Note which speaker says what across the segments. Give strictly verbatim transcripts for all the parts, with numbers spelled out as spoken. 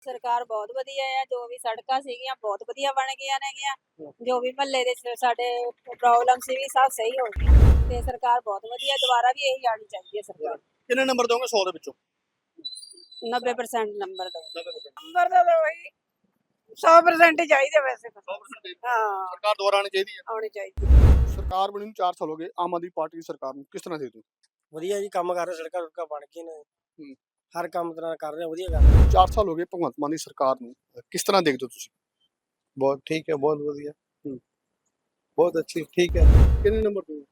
Speaker 1: ਸਰਕਾਰ ਬਹੁਤ ਵਧੀਆ ਆ, ਜੋ ਵੀ ਸੜਕਾਂ ਸੀਗੀਆਂ ਬਹੁਤ ਵਧੀਆ ਬਣ ਗਈਆਂ ਨੇਗੀਆਂ, ਜੋ ਵੀ ਮਹੱਲੇ ਦੇ ਸ- ਸਾਡੇ ਪ੍ਰੋਬਲਮ ਸੀ ਵੀ ਸਭ ਸਹੀ ਹੋ ਗਈ ਤੇ ਸਰਕਾਰ ਬਹੁਤ ਵਧੀਆ, ਦੁਬਾਰਾ ਵੀ ਇਹੀ ਆਣੀ ਚਾਹੀਦੀ ਹੈ ਸਰਕਾਰ।
Speaker 2: ਕਿੰਨੇ ਨੰਬਰ ਦੋਗੇ ਸੌ ਦੇ ਵਿੱਚੋਂ?
Speaker 1: ਨੱਬੇ ਪਰਸੈਂਟ ਨੰਬਰ ਦੋ।
Speaker 3: ਨੰਬਰ ਤਾਂ ਵਹੀ ਸੌ percent ਹੀ ਚਾਹੀਦੇ ਵੈਸੇ ਤਾਂ।
Speaker 2: ਸੌ percent
Speaker 3: ਹਾਂ
Speaker 2: ਸਰਕਾਰ ਦੁਬਾਰਾ ਆਣੀ ਚਾਹੀਦੀ ਹੈ।
Speaker 3: ਆਉਣੀ ਚਾਹੀਦੀ।
Speaker 2: ਸਰਕਾਰ ਬਣੀ ਨੂੰ ਚਾਰ ਸਾਲ ਹੋ ਗਏ, ਆਮ ਆਦਮੀ ਪਾਰਟੀ ਦੀ ਸਰਕਾਰ ਨੂੰ ਕਿਸ ਤਰ੍ਹਾਂ ਦੇਖਦੇ ਹੋ?
Speaker 4: ਵਧੀਆ ਜੀ, ਕੰਮ ਕਰ ਰਹੇ, ਸੜਕਾਂ ਸੁੜਕਾਂ ਬਣ ਕੇ ਨੇ,
Speaker 2: ਹੂੰ।
Speaker 4: ਹਰ ਕੰਮ ਤਰ੍ਹਾਂ ਕਰ ਰਹੇ, ਵਧੀਆ ਕਰ ਰਹੇ।
Speaker 2: ਚਾਰ ਸਾਲ ਹੋ ਗਏ ਭਗਵੰਤ ਮਾਨ ਦੀ ਸਰਕਾਰ ਨੂੰ, ਕਿਸ ਤਰ੍ਹਾਂ ਦੇਖਦੇ ਹੋ ਤੁਸੀਂ?
Speaker 5: बहुत ठीक है, बहुत बढ़िया,
Speaker 2: हम्म।
Speaker 5: बहुत अच्छी, ठीक है।
Speaker 2: ਕਿੰਨੇ ਨੰਬਰ ਦੋਗੇ?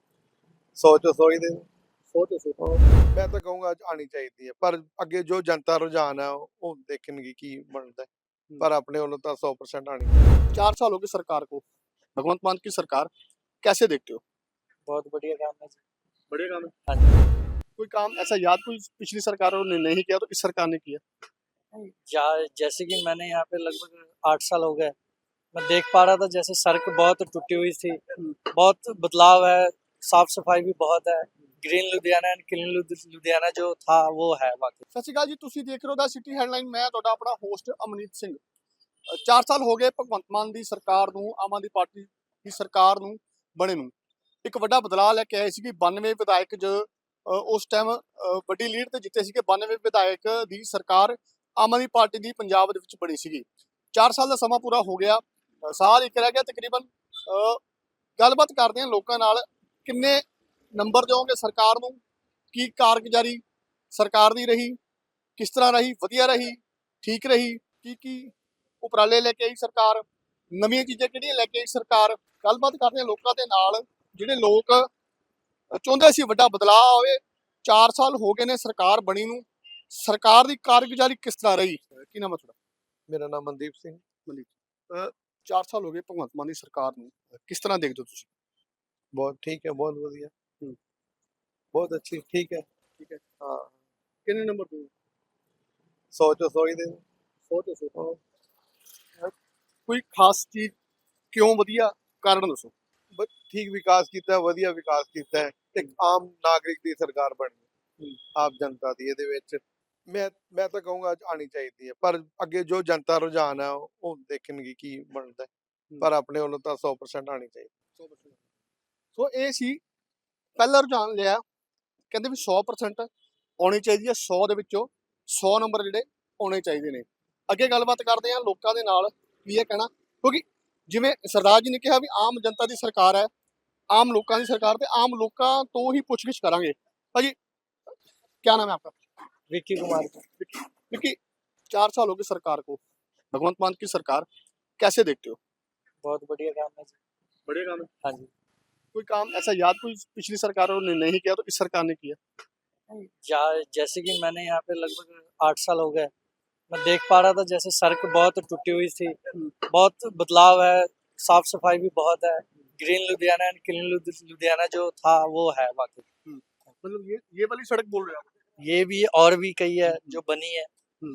Speaker 5: सौ चो सौ ही दे।
Speaker 2: ਸੌ ਤੋਂ ਸੌ।
Speaker 5: मैं तो कहूँगा आनी चाहिए, पर अगे जो जनता रुझान है वो देखने की बनता है, पर अपने वालों तो सौ परसेंट आनी चाहिए।
Speaker 2: चार साल हो गए सरकार को, भगवंत मान की सरकार, कैसे देखते हो?
Speaker 4: बहुत बढ़िया काम है जी।
Speaker 2: बढ़िया काम है।
Speaker 4: हाँ
Speaker 2: कोई काम ऐसा याद कोई पिछली सरकारों ने नहीं किया तो इस सरकार ने किया?
Speaker 4: जा- जैसे कि मैंने यहाँ पे लगभग आठ साल हो गए, मैं देख पा रहा था जैसे सड़क बहुत टूटी हुई थी, बहुत बदलाव है, साफ सफाई भी बहुत है, green Ludhiana and clean Ludhiana जो था वो है बाकी।
Speaker 2: ਸਤਿ ਸ਼੍ਰੀ ਅਕਾਲ ਜੀ, ਤੁਸੀਂ ਦੇਖ ਰਹੇ ਹੋ ਦਾ ਸਿਟੀ ਹੈਡਲਾਈਨ। ਮੈਂ ਤੁਹਾਡਾ ਆਪਣਾ ਹੋਸਟ ਅਮਨੀਤ ਸਿੰਘ। ਅ, ਚਾਰ ਸਾਲ ਹੋ ਗਏ ਭਗਵੰਤ ਮਾਨ ਦੀ ਸਰਕਾਰ ਨੂੰ, ਆਮ ਆਦਮੀ ਪਾਰਟੀ ਦੀ ਸਰਕਾਰ ਨੂੰ ਬਣੇ ਨੂੰ। ਇੱਕ ਵੱਡਾ ਬਦਲਾਅ ਲੈ ਕੇ ਆਏ ਸੀ ਕਿ ਬਾਨਵੇਂ ਵਿਧਾਇਕ ਜੋ ਅ, ਉਸ ਟਾਈਮ ਵੱਡੀ ਲੀਡ ਤੇ ਜਿੱਤੇ ਸੀਗੇ, ਬਾਨਵੇਂ ਵਿਧਾਇਕ ਦੀ ਸਰਕਾਰ ਆਮ ਆਦਮੀ ਪਾਰਟੀ ਦੀ ਪੰਜਾਬ ਦੇ ਵਿੱਚ ਬਣੀ ਸੀਗੀ। ਚਾਰ ਸਾਲ ਦਾ ਸਮਾਂ ਪੂਰਾ ਹੋ ਗਿਆ, ਅ, ਸਾਲ ਇੱਕ ਰਹਿ ਗਿਆ ਤਕਰੀਬਨ। ਅ, ਗੱਲਬਾਤ ਕਰਦੇ ਹਾਂ ਲੋਕਾਂ ਨਾਲ, ਕਿੰਨੇ ਨੰਬਰ ਦਿਓਗੇ ਸਰਕਾਰ ਨੂੰ, ਕੀ ਕਾਰਗੁਜ਼ਾਰੀ ਸਰਕਾਰ ਦੀ ਰਹੀ, ਕਿਸ ਤਰ੍ਹਾਂ ਰਹੀ, ਵਧੀਆ ਰਹੀ, ਠੀਕ ਰਹੀ, ਕੀ ਕੀ ਉਪਰਾਲੇ ਲੈ ਕੇ ਆਈ ਸਰਕਾਰ, ਨਵੀਆਂ ਚੀਜ਼ਾਂ ਕਿਹੜੀਆਂ ਲੈ ਕੇ ਆਈ ਸਰਕਾਰ। ਗੱਲਬਾਤ ਕਰਦੇ ਹਾਂ ਲੋਕਾਂ ਦੇ ਨਾਲ, ਜਿਹੜੇ ਲੋਕ ਚਾਹੁੰਦੇ ਸੀ ਵੱਡਾ ਬਦਲਾਅ ਹੋਵੇ। ਚਾਰ ਸਾਲ ਹੋ ਗਏ ਨੇ ਸਰਕਾਰ ਬਣੀ ਨੂੰ, ਸਰਕਾਰ ਦੀ ਕਾਰਗੁਜ਼ਾਰੀ ਕਿਸ ਤਰ੍ਹਾਂ ਰਹੀ? ਕੀ ਨਾਮ ਹੈ ਤੁਹਾਡਾ?
Speaker 5: मेरा नाम मनदीप सिंह।
Speaker 2: ਅ, ਚਾਰ ਸਾਲ ਹੋ ਗਏ ਭਗਵੰਤ ਮਾਨ ਦੀ ਸਰਕਾਰ ਨੂੰ, ਕਿਸ ਤਰ੍ਹਾਂ ਦੇਖਦੇ ਹੋ ਤੁਸੀਂ?
Speaker 5: बहुत ठीक है, बहुत बढ़िया,
Speaker 2: हम्म।
Speaker 5: बहुत अच्छी, ठीक है।
Speaker 2: ਠੀਕ ਹੈ।
Speaker 5: हाँ,
Speaker 2: ਕਿੰਨੇ ਨੰਬਰ ਦੋ?
Speaker 5: सौ चो सौ ही दे।
Speaker 2: ਸੌ ਤੋਂ ਸੌ। ਕੋਈ ਖਾਸ ਚੀਜ਼ ਕਿਉਂ ਵਧੀਆ, ਕਾਰਨ ਦੱਸੋ।
Speaker 5: बस ठीक विकास किया, वधिया विकास किया है, ते आम नागरिक की सरकार बनी, आप जनता दी ਇਹਦੇ ਵਿੱਚ। मैं मैं तो कहूँगा आनी चाहिए, पर अगे जो जनता रुझान है वो देखने की बनता है, पर अपने वालों तो सौ परसेंट आनी चाहिए।
Speaker 2: ਸੌ percent। ਸੋ ਇਹ ਸੀ ਪਹਿਲਾ ਰੁਝਾਨ ਲਿਆ, ਕਹਿੰਦੇ ਵੀ ਸੌ percent ਆਉਣੀ ਚਾਹੀਦੀ ਹੈ, ਸੌ ਦੇ ਵਿੱਚੋਂ ਸੌ ਨੰਬਰ ਜਿਹੜੇ ਆਉਣੇ ਚਾਹੀਦੇ ਨੇ। ਅੱਗੇ ਗੱਲਬਾਤ ਕਰਦੇ ਹਾਂ ਲੋਕਾਂ ਦੇ ਨਾਲ, ਕੀ ਇਹ ਕਹਿਣਾ, ਕਿਉਂਕਿ ਜਿਵੇਂ ਸਰਦਾਰ ਜੀ ਨੇ ਕਿਹਾ ਵੀ ਆਮ ਜਨਤਾ ਦੀ ਸਰਕਾਰ ਹੈ, ਆਮ ਲੋਕਾਂ ਦੀ ਸਰਕਾਰ, ਤੇ ਆਮ ਲੋਕਾਂ ਤੋਂ ਹੀ ਪੁੱਛਗਿੱਛ ਕਰਾਂਗੇ। ਭਾਜੀ क्या नाम है आपका?
Speaker 4: विक्की कुमार को
Speaker 2: क्योंकि चार साल हो गए सरकार को, भगवंत मान की सरकार, कैसे देखते हो?
Speaker 4: बहुत बढ़िया काम है जी।
Speaker 2: बढ़िया काम है।
Speaker 4: हाँ जी।
Speaker 2: कोई काम ऐसा याद कोई पिछली सरकारों ने नहीं किया तो इस सरकार ने किया?
Speaker 4: जा- जैसे कि मैंने यहाँ पे लगभग आठ साल हो गए, मैं देख पा रहा था जैसे सड़क बहुत टूटी हुई थी, बहुत बदलाव है, साफ सफाई भी बहुत है, green Ludhiana and clean Ludhiana जो था वो है बाकी।
Speaker 2: मतलब ये ये वाली सड़क बोल रहे हो आप?
Speaker 4: ये भी और भी कई है जो बनी है।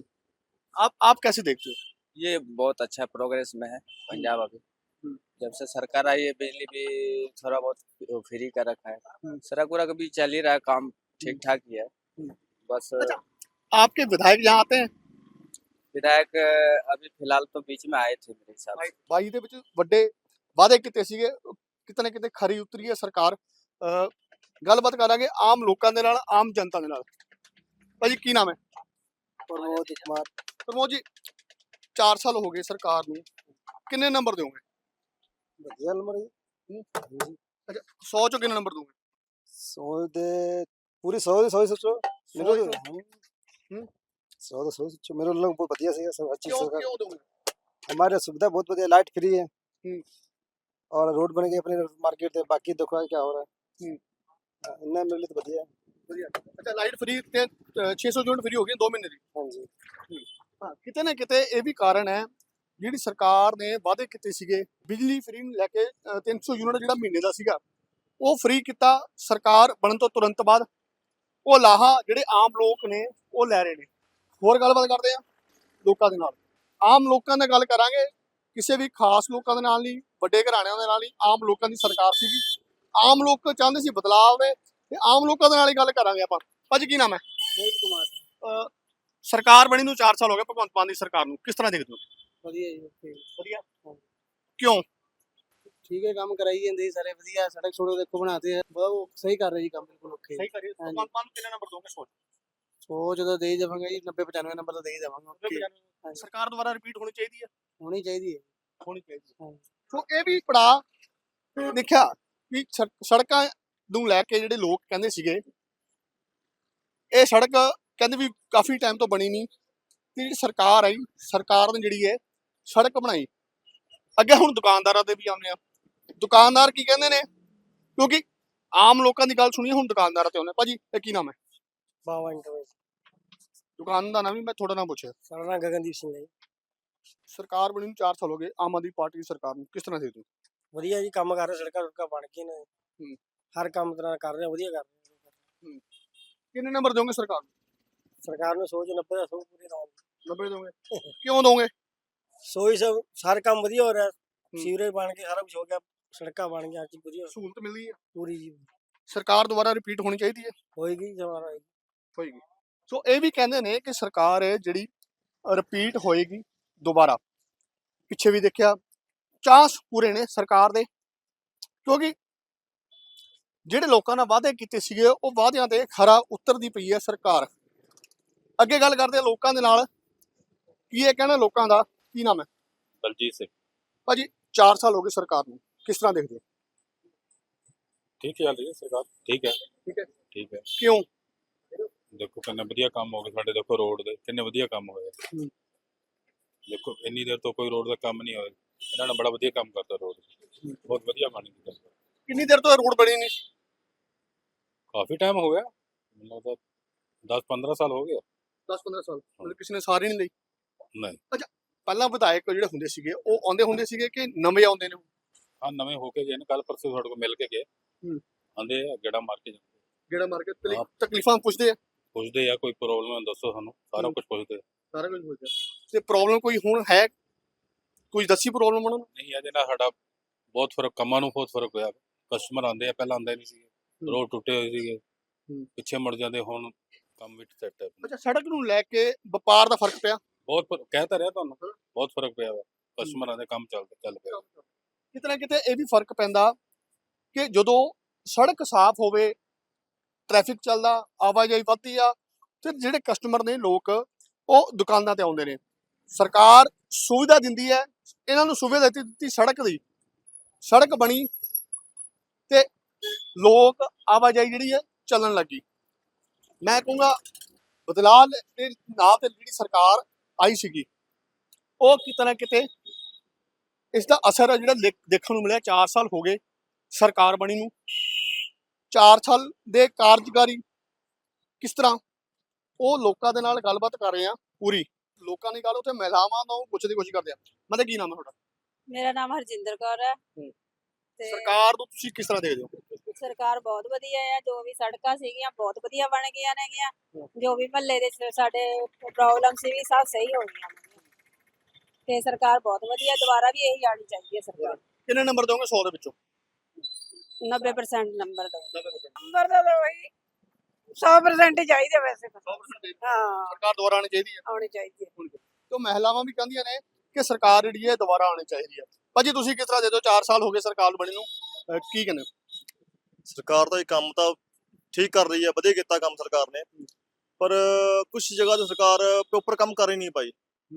Speaker 2: आप आप कैसे देखते हो?
Speaker 6: ये बहुत अच्छा प्रोग्रेस में है पंजाब अभी।
Speaker 2: हम्म।
Speaker 6: जब से सरकार आई है बिजली भी थोड़ा बहुत फ्री कर रखा है,
Speaker 2: हम्म।
Speaker 6: सड़क उड़क भी चल ही रहा है, काम ठीक ठाक ही है।
Speaker 2: हम्म।
Speaker 6: बस
Speaker 2: अच्छा, आपके विधायक यहाँ आते हैं?
Speaker 6: विधायक अभी फिलहाल तो बीच में आए थे मेरे हिसाब से।
Speaker 2: ਬਾਈ ਦੇ ਵਿੱਚ ਵੱਡੇ ਵਾਅਦੇ ਕੀਤੇ ਸੀਗੇ, ਕਿਤੇ ਨਾ ਕਿਤੇ ਖਰੀ ਉਤਰੀ ਹੈ ਸਰਕਾਰ। ਅਹ ਗੱਲਬਾਤ ਕਰਾਂਗੇ ਆਮ ਲੋਕਾਂ ਦੇ ਨਾਲ, ਆਮ ਜਨਤਾ ਦੇ ਨਾਲ। ਭਾਜੀ ਕੀ ਨਾਮ ਹੈ?
Speaker 4: प्रमोद कुमार।
Speaker 2: ਪ੍ਰਮੋਦ ਜੀ, ਚਾਰ ਸਾਲ ਹੋ ਗਏ ਸਰਕਾਰ ਨੂੰ, ਕਿੰਨੇ ਨੰਬਰ ਦਿਓਗੇ?
Speaker 4: ਵਧੀਆ ਨੰਬਰ ਜੀ।
Speaker 2: ਅੱਛਾ, ਸੌ ਚੋਂ ਕਿੰਨੇ ਨੰਬਰ ਦੋਗੇ?
Speaker 4: सौ दे पूरी सौ दे सौ ही सोचो मेरे
Speaker 2: सौ
Speaker 4: तो।
Speaker 2: हम्म।
Speaker 4: सौ दे सौ ही सोचो मेरे लोग बहुत बढ़िया से सब अच्छी
Speaker 2: ਕਿਉਂ
Speaker 4: सरकार।
Speaker 2: ਕਿਉਂ ਦੋਗੇ?
Speaker 4: हमारे सुविधा बहुत बढ़िया, लाइट फ्री है
Speaker 2: हम्म।
Speaker 4: और रोड बन गई अपने मार्केट से, बाकी देखो क्या हो रहा है।
Speaker 2: हम्म।
Speaker 4: हाँ, इतना मेरे लिए तो बढ़िया है।
Speaker 2: ਵਧੀਆ। ਅੱਛਾ, ਲਾਈਟ ਫ੍ਰੀ ਤੇ ਛੇ ਸੌ ਯੂਨਿਟ ਫ੍ਰੀ ਹੋ ਗਈ ਦੋ ਮਹੀਨੇ ਦੀ।
Speaker 4: हाँ जी।
Speaker 2: ਹਾਂ, ਕਿਤੇ ਨਾ ਕਿਤੇ ਇਹ ਵੀ ਕਾਰਨ ਹੈ, ਜਿਹੜੀ ਸਰਕਾਰ ਨੇ ਵਾਅਦੇ ਕੀਤੇ ਸੀਗੇ ਬਿਜਲੀ ਫ੍ਰੀ ਨੂੰ ਲੈ ਕੇ, ਅ, ਤਿੰਨ ਸੌ ਯੂਨਿਟ ਜਿਹੜਾ ਮਹੀਨੇ ਦਾ ਸੀਗਾ ਉਹ ਫ੍ਰੀ ਕੀਤਾ ਸਰਕਾਰ ਬਣਨ ਤੋਂ ਤੁਰੰਤ ਬਾਅਦ। ਉਹ ਲਾਹਾ ਜਿਹੜੇ ਆਮ ਲੋਕ ਨੇ ਉਹ ਲੈ ਰਹੇ ਨੇ। ਹੋਰ ਗੱਲਬਾਤ ਕਰਦੇ ਆ ਲੋਕਾਂ ਦੇ ਨਾਲ, ਆਮ ਲੋਕਾਂ ਨਾਲ ਗੱਲ ਕਰਾਂਗੇ, ਕਿਸੇ ਵੀ ਖਾਸ ਲੋਕਾਂ ਦੇ ਨਾਲ ਨਹੀਂ, ਵੱਡੇ ਘਰਾਣਿਆਂ ਦੇ ਨਾਲ ਨਹੀਂ, ਆਮ ਲੋਕਾਂ ਦੀ ਸਰਕਾਰ ਸੀਗੀ। ਆਮ ਲੋਕ ਚਾਹੁੰਦੇ ਸੀ ਬਦਲਾਅ ਹੋਵੇ, ਤੇ ਆਮ ਲੋਕਾਂ ਦੇ ਨਾਲ ਹੀ ਗੱਲ ਕਰਾਂਗੇ ਆਪਾਂ। ਭਾਜੀ ਕੀ ਨਾਮ ਹੈ?
Speaker 4: मोहित कुमार।
Speaker 2: ਅ, ਸਰਕਾਰ ਬਣੀ ਨੂੰ ਚਾਰ ਸਾਲ ਹੋ ਗਏ ਭਗਵੰਤ ਮਾਨ ਦੀ ਸਰਕਾਰ ਨੂੰ, ਕਿਸ ਤਰ੍ਹਾਂ ਦੇਖਦੇ ਹੋ?
Speaker 7: ਵਧੀਆ ਜੀ ਓਕੇ
Speaker 2: ਵਧੀਆ। ਕਿਉਂ?
Speaker 7: ਠੀਕ ਹੈ, ਕੰਮ ਕਰਾਈ ਜਾਂਦੇ ਜੀ ਸਾਰੇ ਵਧੀਆ, ਸੜਕ ਛੋੜੋ ਦੇਖੋ ਬਣਾਤੇ ਬਹੁਤ ਉਹ ਸਹੀ ਕਰ ਰਹੇ ਜੀ ਕੰਮ, ਬਿਲਕੁਲ ਓਕੇ।
Speaker 2: ਸਹੀ ਕਰੀਏ।
Speaker 7: ਹਾਂਜੀ।
Speaker 2: ਭਗਵੰਤ ਮਾਨ ਨੂੰ ਕਿੰਨੇ ਨੰਬਰ ਦੋਗੇ? ਸੋਚ
Speaker 7: ਸੋਚ ਤਾਂ ਦੇ ਹੀ ਦੇਵਾਂਗੇ ਜੀ, ਨੱਬੇ ਪਚਾਨਵੇਂ ਨੰਬਰ ਤਾਂ ਦੇ ਹੀ ਦੇਵਾਂਗੇ ਓਕੇ। ਹਾਂਜੀ।
Speaker 2: ਸਰਕਾਰ ਦੁਬਾਰਾ ਰਿਪੀਟ ਹੋਣੀ ਚਾਹੀਦੀ ਹੈ।
Speaker 7: ਹੋਣੀ ਚਾਹੀਦੀ ਹੈ।
Speaker 2: ਹੋਣੀ ਚਾਹੀਦੀ ਹੈ।
Speaker 7: ਹਾਂਜੀ।
Speaker 2: ਸੋ ਇਹ ਵੀ ਪੜਾ ਦੇਖਿਆ ਵੀ ਸੜ- ਸੜਕਾਂ ਨੂੰ ਲੈ ਕੇ ਜਿਹੜੇ ਲੋਕ ਕਹਿੰਦੇ ਸੀਗੇ ਇਹ ਸੜਕ ਕਹਿੰਦੇ ਵੀ ਕਾਫੀ ਟਾਈਮ ਤੋਂ ਬਣੀ ਨਹੀਂ, ਤੇ ਜਿਹੜੀ ਸਰਕਾਰ ਆਈ ਸਰਕਾਰ ਨੇ ਜਿਹੜੀ ਹੈ ਸੜਕ ਬਣਾਈ। ਅੱਗੇ ਹੁਣ ਦੁਕਾਨਦਾਰਾਂ ਦੇ ਵੀ ਆਉਂਦੇ ਆ, ਦੁਕਾਨਦਾਰ ਕੀ ਕਹਿੰਦੇ ਨੇ, ਕਿਉਂਕਿ ਆਮ ਲੋਕਾਂ ਦੀ ਗੱਲ ਸੁਣੀਏ, ਹੁਣ ਦੁਕਾਨਦਾਰਾਂ ਤੇ ਆਉਂਦੇ ਆ। ਭਾਜੀ ਇਹ ਕੀ ਨਾਮ ਹੈ?
Speaker 7: ਬਾਵਾ ਇੰਟਰਵਿਊ
Speaker 2: ਦੁਕਾਨ ਦਾ ਨਾਮ ਵੀ ਮੈਂ ਤੁਹਾਡਾ ਨਾਮ ਪੁੱਛਿਆ।
Speaker 7: ਸਾਡਾ ਨਾਮ ਗਗਨਦੀਪ ਸਿੰਘ ਹੈ ਜੀ।
Speaker 2: ਸਰਕਾਰ ਬਣੀ ਨੂੰ ਚਾਰ ਸਾਲ ਹੋ ਗਏ, ਆਮ ਆਦਮੀ ਪਾਰਟੀ ਦੀ ਸਰਕਾਰ ਨੂੰ, ਕਿਸ ਤਰ੍ਹਾਂ ਦੇਖਦੇ ਹੋ?
Speaker 7: ਵਧੀਆ ਜੀ, ਕੰਮ ਕਰ ਰਹੇ, ਸੜਕਾਂ ਸੁੜਕਾਂ ਬਣ ਗਈਆਂ ਨੇ,
Speaker 2: ਹੂੰ।
Speaker 7: ਹਰ ਕੰਮ ਤਰ੍ਹਾਂ ਕਰ ਰਹੇ, ਵਧੀਆ ਕਰ ਰਹੇ।
Speaker 2: ਕਿੰਨੇ ਨੰਬਰ ਦੋਗੇ ਸਰਕਾਰ ਨੂੰ?
Speaker 7: ਸਰਕਾਰ ਨੂੰ ਸੋਚ ਨੱਬੇ ਦਾ ਸੌ ਪੂਰੀ ਲਾਉਣ,
Speaker 2: ਨੱਬੇ ਦੋਗੇ? ਕਿਉਂ ਦੋਗੇ?
Speaker 7: ਸੋ ਹੀ ਸਭ ਸਾਰੇ ਕੰਮ ਵਧੀਆ ਹੋ ਰਿਹਾ, ਸੀਵਰੇਜ ਬਣ ਕੇ ਸਾਰਾ ਕੁਝ ਹੋ ਗਿਆ, ਸੜਕਾਂ ਬਣ ਗਈਆਂ, ਹਰ ਚੀਜ਼ ਵਧੀਆ
Speaker 2: ਸਹੂਲਤ ਮਿਲਦੀ ਹੈ।
Speaker 7: ਪੂਰੀ ਜੀ
Speaker 2: ਸਰਕਾਰ ਦੁਬਾਰਾ ਰਿਪੀਟ ਹੋਣੀ ਚਾਹੀਦੀ ਹੈ।
Speaker 7: ਹੋਏਗੀ ਜਮਾਨਾ ਹੋਏਗੀ।
Speaker 2: ਹੋਏਗੀ। ਸੋ ਇਹ ਵੀ ਕਹਿੰਦੇ ਨੇ ਕਿ ਸਰਕਾਰ ਹੈ ਜਿਹੜੀ ਰਿਪੀਟ ਹੋਏਗੀ ਦੁਬਾਰਾ। ਪਿੱਛੇ ਵੀ ਦੇਖਿਆ ਚਾਂਸ ਪੂਰੇ ਨੇ ਸਰਕਾਰ ਦੇ, ਕਿਉਂਕਿ ਜਿਹੜੇ ਲੋਕਾਂ ਨਾਲ ਵਾਅਦੇ ਕੀਤੇ ਸੀਗੇ ਉਹ ਵਾਅਦਿਆਂ ਤੇ ਖਰਾ ਉਤਰਦੀ ਪਈ ਹੈ ਸਰਕਾਰ। ਅੱਗੇ ਗੱਲ ਕਰਦੇ ਹਾਂ ਲੋਕਾਂ ਦੇ ਨਾਲ, ਕੀ ਇਹ ਕਹਿਣਾ ਲੋਕਾਂ ਦਾ? ਕੀ ਨਾਮ ਹੈ?
Speaker 8: ਬਲਜੀਤ ਸਿੰਘ।
Speaker 2: ਭਾਜੀ ਚਾਰ ਸਾਲ ਹੋ ਗਏ ਸਰਕਾਰ ਨੂੰ, ਕਿਸ ਤਰ੍ਹਾਂ ਦੇਖਦੇ ਹੋ?
Speaker 8: ਠੀਕ ਚੱਲ ਰਹੀ ਹੈ ਸਰਕਾਰ, ਠੀਕ ਹੈ
Speaker 2: ਠੀਕ ਹੈ।
Speaker 8: ਠੀਕ ਹੈ।
Speaker 2: ਕਿਉਂ?
Speaker 8: ਦੇਖੋ ਕਿੰਨੇ ਵਧੀਆ ਕੰਮ ਹੋ ਗਏ ਸਾਡੇ, ਦੇਖੋ ਰੋਡ ਦੇ ਕਿੰਨੇ ਵਧੀਆ ਕੰਮ ਹੋਏ।
Speaker 2: ਹੂੰ।
Speaker 8: ਦੇਖੋ ਇੰਨੀ ਦੇਰ ਤੋਂ ਕੋਈ ਰੋਡ ਦਾ ਕੰਮ ਨਹੀਂ ਹੋਇਆ, ਇਹਨਾਂ ਨੇ ਬੜਾ ਵਧੀਆ ਕੰਮ ਕਰਤਾ, ਰੋਡ ਬਹੁਤ ਵਧੀਆ ਬਣ ਗਈ।
Speaker 2: ਕਿੰਨੀ ਦੇਰ ਤੋਂ ਰੋਡ ਬਣੀ ਨਹੀਂ?
Speaker 8: ਕਾਫੀ ਟਾਈਮ ਹੋ ਗਿਆ, ਮੈਨੂੰ ਲੱਗਦਾ ਦਸ ਪੰਦਰਾਂ ਸਾਲ ਹੋ ਗਏ।
Speaker 2: ਦਸ ਪੰਦਰਾਂ ਸਾਲ ਮਤਲਬ ਕਿਸੇ ਨੇ ਸਾਰੀ ਨਹੀਂ ਲਈ?
Speaker 8: ਨਹੀਂ।
Speaker 2: ਅੱਛਾ, ਪਹਿਲਾਂ ਵਿਧਾਇਕ ਜਿਹੜੇ ਹੁੰਦੇ ਸੀਗੇ ਉਹ ਆਉਂਦੇ ਹੁੰਦੇ ਸੀਗੇ ਕਿ ਨਵੇਂ ਆਉਂਦੇ ਨੇ?
Speaker 8: ਹਾਂ ਨਵੇਂ ਹੋ ਕੇ ਗਏ ਨੇ, ਕੱਲ ਪਰਸੋਂ ਤੁਹਾਡੇ ਕੋਲ ਮਿਲ ਕੇ ਗਏ।
Speaker 2: ਹੂੰ।
Speaker 8: ਆਂਦੇ ਆ ਗੇੜਾ ਮਾਰ ਕੇ ਜਾਂਦੇ,
Speaker 2: ਜਿਹੜਾ ਮਾਰਕੀਟ
Speaker 8: ਹਾਂ।
Speaker 2: ਤਕਲੀਫਾਂ ਪੁੱਛਦੇ ਆ,
Speaker 8: ਪੁੱਛਦੇ ਆ ਕੋਈ ਪ੍ਰੋਬਲਮ ਹੈ ਦੱਸੋ ਸਾਨੂੰ, ਸਾਰਾ
Speaker 2: ਹੂੰ।
Speaker 8: ਕੁਝ ਪੁੱਛਦੇ ਆ।
Speaker 2: ਸਾਰਾ ਕੁਝ ਪੁੱਛਦੇ ਆ। ਤੇ ਪ੍ਰੋਬਲਮ ਕੋਈ ਹੁਣ ਹੈ, ਕੁਝ ਦੱਸੀ ਪ੍ਰੋਬਲਮ ਉਹਨਾਂ ਨੂੰ?
Speaker 8: ਨਹੀਂ ਇਹਦੇ ਨਾਲ ਸਾਡਾ ਬਹੁਤ ਫਰਕ, ਕੰਮਾਂ ਨੂੰ ਬਹੁਤ ਫਰਕ ਹੋਇਆ। ਕਸਟਮਰ ਆਉਂਦੇ ਆ, ਪਹਿਲਾਂ ਆਉਂਦੇ ਨਹੀਂ ਸੀਗੇ, ਰੋਡ ਟੁੱਟੇ ਹੋਏ ਸੀਗੇ,
Speaker 2: ਹੂੰ।
Speaker 8: ਪਿੱਛੇ ਮੁੜ ਜਾਂਦੇ, ਹੁਣ ਕੰਮ ਵਿੱਚ ਸੈੱਟ ਹੈ।
Speaker 2: ਅੱਛਾ, ਸੜਕ ਨੂੰ ਲੈ ਕੇ ਵਪਾਰ ਦਾ ਫਰਕ ਪਿਆ?
Speaker 8: ਬਹੁਤ ਫਰਕ- ਕਹਿ ਤਾਂ ਰਿਹਾ ਤੁਹਾਨੂੰ, ਬਹੁਤ ਫਰਕ ਪਿਆ ਵਾ, ਕਸਟਮਰਾਂ ਦੇ ਕੰਮ ਚੱਲਦੇ ਚੱਲ ਪਿਆ।
Speaker 2: ਕਿਤੇ ਨਾ ਕਿਤੇ ਇਹ ਵੀ ਫਰਕ ਪੈਂਦਾ ਕਿ ਜਦੋਂ ਸੜਕ ਸਾਫ਼ ਹੋਵੇ, ਟ੍ਰੈਫਿਕ ਚੱਲਦਾ, ਆਵਾਜਾਈ ਵੱਧਦੀ ਆ, ਤੇ ਜਿਹੜੇ ਕਸਟਮਰ ਨੇ ਲੋਕ ਉਹ ਦੁਕਾਨਾਂ ਤੇ ਆਉਂਦੇ ਨੇ। ਸਰਕਾਰ ਸੁਵਿਧਾ ਦਿੰਦੀ ਹੈ, ਇਹਨਾਂ ਨੂੰ ਸੁਵਿਧਾ ਦਿੱਤੀ ਦਿੱਤੀ ਸੜਕ ਦੀ, ਸੜਕ ਬਣੀ ਤੇ ਲੋਕ ਆਵਾਜਾਈ ਜਿਹੜੀ ਹੈ ਚੱਲਣ ਲੱਗੀ। ਮੈਂ ਕਹੂੰਗਾ ਬਦਲਾਅ ਦੇ ਨਾਂ ਤੇ ਜਿਹੜੀ ਸਰਕਾਰ ਆਈ ਸੀਗੀ ਉਹ ਕਿਤੇ ਨਾ ਕਿਤੇ ਇਸ ਦਾ ਅਸਰ ਹੈ ਜਿਹੜਾ ਦੇਖ- ਦੇਖਣ ਨੂੰ ਮਿਲਿਆ। ਚਾਰ ਸਾਲ ਹੋ ਗਏ ਸਰਕਾਰ ਬਣੀ ਨੂੰ, ਚਾਰ ਸਾਲ ਦੇ ਕਾਰਜਕਾਰੀ ਕਿਸ ਤਰ੍ਹਾਂ, ਉਹ ਲੋਕਾਂ ਦੇ ਨਾਲ ਗੱਲਬਾਤ ਕਰ ਰਹੇ ਆ ਪੂਰੀ। ਲੋਕਾਂ ਦੀ ਗੱਲ ਉੱਥੇ ਮਹਿਲਾਵਾਂ ਤੋਂ ਪੁੱਛਣ ਦੀ ਕੋਸ਼ਿਸ਼ ਕਰਦੇ ਆ। ਮਤਲਬ ਕੀ ਨਾਮ ਹੈ ਤੁਹਾਡਾ?
Speaker 1: ਮੇਰਾ ਨਾਮ ਹਰਜਿੰਦਰ ਕੌਰ ਹੈ।
Speaker 2: ਹੂੰ।
Speaker 1: ਤੇ
Speaker 2: ਸਰਕਾਰ ਨੂੰ ਤੁਸੀਂ ਕਿਸ ਤਰ੍ਹਾਂ ਦੇਖਦੇ ਹੋ?
Speaker 1: ਸਰਕਾਰ ਬਹੁਤ ਵਧੀਆ ਹੈ, ਜੋ ਵੀ ਸੜਕਾਂ ਸੀਗੀਆਂ ਬਹੁਤ ਵਧੀਆ ਬਣ ਗਈਆਂ ਨੇਗੀਆਂ, ਜੋ ਵੀ ਮਹੱਲੇ ਦੇ ਸ- ਸਾਡੇ ਪ੍ਰੋਬਲਮ ਸੀ ਵੀ ਸਭ ਸਹੀ ਹੋ ਗਈਆਂ ਨੇ। ਤੇ ਸਰਕਾਰ ਬਹੁਤ ਵਧੀਆ, ਦੁਬਾਰਾ ਵੀ ਇਹੀ ਆਣੀ ਚਾਹੀਦੀ ਹੈ ਸਰਕਾਰ।
Speaker 2: ਕਿੰਨੇ ਨੰਬਰ ਦੋਗੇ ਸੌ ਦੇ ਵਿੱਚੋਂ?
Speaker 1: ਨੱਬੇ ਪਰਸੈਂਟ ਨੰਬਰ ਦੋ।
Speaker 3: ਨੰਬਰ ਤਾਂ ਦੋ ਹੀ ਸੌ ਪਰਸੈਂਟ ਹੀ ਚਾਹੀਦੇ ਵੈਸੇ ਤਾਂ।
Speaker 2: ਸੌ percent
Speaker 3: ਹਾਂ
Speaker 2: ਸਰਕਾਰ ਦੁਬਾਰਾ ਆਣੀ ਚਾਹੀਦੀ ਹੈ।
Speaker 3: ਆਉਣੀ ਚਾਹੀਦੀ ਹੈ।
Speaker 2: ਤੇ ਮਹਿਲਾਵਾਂ ਵੀ ਕਹਿੰਦੀਆਂ ਨੇ ਕਿ ਸਰਕਾਰ ਜਿਹੜੀ ਹੈ ਦੁਬਾਰਾ ਆਣੀ ਚਾਹੀਦੀ ਹੈ। ਭਾਜੀ ਤੁਸੀਂ ਕਿਸ ਤਰ੍ਹਾਂ ਦੇ ਦਿਓ, ਚਾਰ ਸਾਲ ਹੋ ਗਏ ਸਰਕਾਰ ਬਣੀ ਨੂੰ, ਅਹ ਕੀ ਕਹਿੰਦੇ ਹੋ?
Speaker 9: ਸਰਕਾਰ ਦਾ ਇਹ ਕੰਮ ਤਾਂ ਠੀਕ ਕਰ ਰਹੀ ਹੈ, ਵਧੀਆ ਕੀਤਾ ਕੰਮ ਸਰਕਾਰ ਨੇ, ਪਰ ਕੁਝ ਜਗ੍ਹਾ ਤੇ ਸਰਕਾਰ ਪ੍ਰੋਪਰ ਕੰਮ ਕਰ ਹੀ ਨਹੀਂ ਪਾਈ।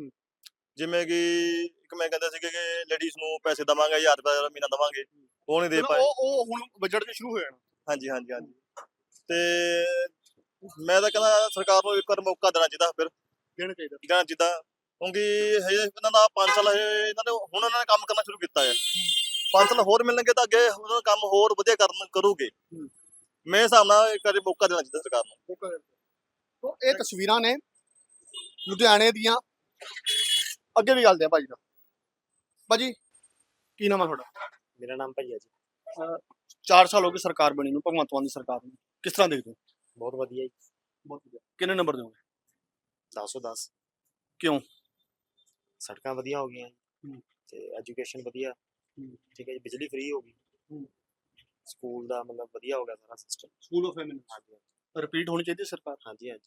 Speaker 9: ਜਿਵੇਂ ਕਿ ਇੱਕ ਮੈਂ ਕਹਿੰਦਾ ਸੀ ਕਿ ਲੇਡੀਜ਼ ਨੂੰ ਪੈਸੇ ਦੇਵਾਂਗੇ, ਹਜ਼ਾਰ ਰੁਪਏ ਮਹੀਨਾ ਦੇਵਾਂਗੇ, ਉਹ ਨਹੀਂ ਦੇ
Speaker 2: ਮਤਲਬ
Speaker 9: ਪਾਏ।
Speaker 2: ਉਹ ਉਹ ਹੁਣ ਬਜਟ ਦੇ ਸ਼ੁਰੂ ਹੋ ਜਾਣਾ।
Speaker 9: ਹਾਂਜੀ ਹਾਂਜੀ ਹਾਂਜੀ ਤੇ ਮੈਂ ਤਾਂ ਕਹਿੰਦਾ ਸਰਕਾਰ ਨੂੰ ਇੱਕ ਵਾਰ ਮੌਕਾ ਦੇਣਾ ਚਾਹੀਦਾ, ਫਿਰ
Speaker 2: ਦੇਣਾ ਚਾਹੀਦਾ।
Speaker 9: ਦੇਣਾ ਚਾਹੀਦਾ, ਕਿਉਂਕਿ ਹਜੇ ਇਹਨਾਂ ਦਾ ਪੰਜ ਸਾਲ ਹਜੇ ਇਹਨਾਂ ਨੇ ਹੁਣ ਇਹਨਾਂ ਨੇ ਕੰਮ ਕਰਨਾ ਸ਼ੁਰੂ ਕੀਤਾ ਹੈ। ਪੰਜ ਸਾਲ ਹੋਰ ਮਿਲਣਗੇ ਤਾਂ ਅੱਗੇ ਉਹਨਾਂ ਦਾ ਕੰਮ ਹੋਰ ਵਧੀਆ ਕਰਨ ਕਰੂਗੇ। ਮੇਰੇ ਹਿਸਾਬ ਨਾਲ ਇੱਕ ਵਾਰੀ ਮੌਕਾ ਦੇਣਾ ਚਾਹੀਦਾ ਸਰਕਾਰ ਨੂੰ।
Speaker 2: ਤੋ ਇਹ ਤਸਵੀਰਾਂ ਨੇ ਲੁਧਿਆਣੇ ਦੀਆਂ। ਅੱਗੇ ਵੀ ਗੱਲ ਦੇ ਭਾਜੀ ਦਾ। ਭਾਜੀ ਕੀ ਨਾਮ ਹੈ ਤੁਹਾਡਾ?
Speaker 7: ਮੇਰਾ ਨਾਮ ਭਾਈ ਹੈ ਜੀ।
Speaker 2: ਚਾਰ ਸਾਲ ਹੋ ਗਏ ਸਰਕਾਰ ਬਣੀ ਨੂੰ, ਭਗਵੰਤ ਮਾਨ ਦੀ ਸਰਕਾਰ ਨੂੰ, ਕਿਸ ਤਰ੍ਹਾਂ ਦੇਖਦੇ ਹੋ?
Speaker 7: ਬਹੁਤ ਵਧੀਆ ਜੀ।
Speaker 2: ਬਹੁਤ ਵਧੀਆ। ਕਿੰਨੇ ਨੰਬਰ ਦੋਗੇ?
Speaker 7: ਦਸ ਸੌ ਦਸ।
Speaker 2: ਕਿਉਂ?
Speaker 7: ਸੜਕਾਂ ਵਧੀਆ ਹੋ ਗਈਆਂ
Speaker 2: ਹੂੰ।
Speaker 7: ਤੇ ਐਜੂਕੇਸ਼ਨ ਵਧੀਆ,
Speaker 2: ਹੂੰ।
Speaker 7: ਠੀਕ ਹੈ ਜੀ, ਬਿਜਲੀ ਫ੍ਰੀ ਹੋ ਗਈ,
Speaker 2: ਹੂੰ।
Speaker 7: ਸਕੂਲ ਦਾ ਮਤਲਬ ਵਧੀਆ ਹੋ ਗਿਆ ਸਾਰਾ ਸਿਸਟਮ।
Speaker 2: ਸਕੂਲ ਆਫ ਫੈਮਿਲੀ
Speaker 7: ਹਾਂਜੀ
Speaker 2: ਰਿਪੀਟ ਹੋਣੀ ਚਾਹੀਦੀ ਸਰਕਾਰ।
Speaker 7: ਹਾਂਜੀ ਹਾਂਜੀ